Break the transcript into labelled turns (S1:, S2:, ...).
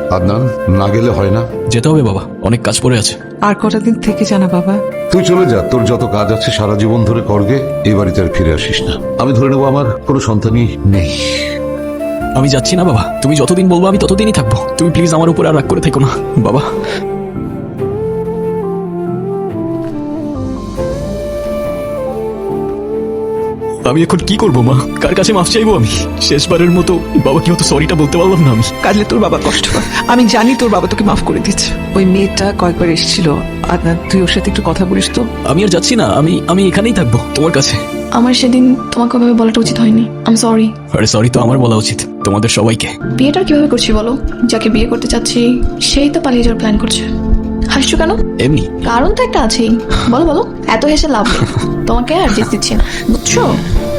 S1: আদনান, না গেলে হয় না?
S2: যেতে হবে বাবা, অনেক কাজ পড়ে আছে।
S3: আর কটা দিন থেকে জানা বাবা।
S1: তুই চলে যা, তোর যত কাজ আছে সারা জীবন ধরে করগে, এই বাড়িতে আর ফিরে আসিস না। আমি ধরে নেবো আমার কোনো সন্তানই নেই।
S2: আমি যাচ্ছি না বাবা, তুমি যতদিন বলবো আমি ততদিনই থাকবো। তুমি প্লিজ আমার উপর আর রাগ করে থেকো না বাবা। আমি এখন কি করবো মা? কার কাছে মাফ চাইবো আমি? শেষবারের মতো বাবাকে হয়তো সরিটা বলতে পারলাম না আমি।
S3: কাজলে তোর বাবা কষ্ট পায়, আমি জানি তোর বাবা তোকে মাফ করে দিচ্ছে। ওই মেয়েটা কয়েকবার এসেছিল, আদনান তুই ওর সাথে একটু কথা বলিস তো।
S2: আমি আর যাচ্ছি না, আমি এখানেই থাকবো তোমার কাছে।
S4: আমার সেদিন তোমাকে ওভাবে বলাটা উচিত হয়নি, আই এম সরি।
S2: আরে সরি তো আমার বলা উচিত, তোমাদের সবাইকে।
S4: বিয়েটা কিভাবে করছি বলো? যাকে বিয়ে করতে চাচ্ছি সেই তো পালিয়ে যাওয়ার প্ল্যান করছে। হাসছো কেন?
S2: এমনি।
S4: কারণ তো একটা আছেই, বলো বলো। এত হেসে লাভ নেই, তোমাকে আর জিত দিচ্ছি না, বুঝছো?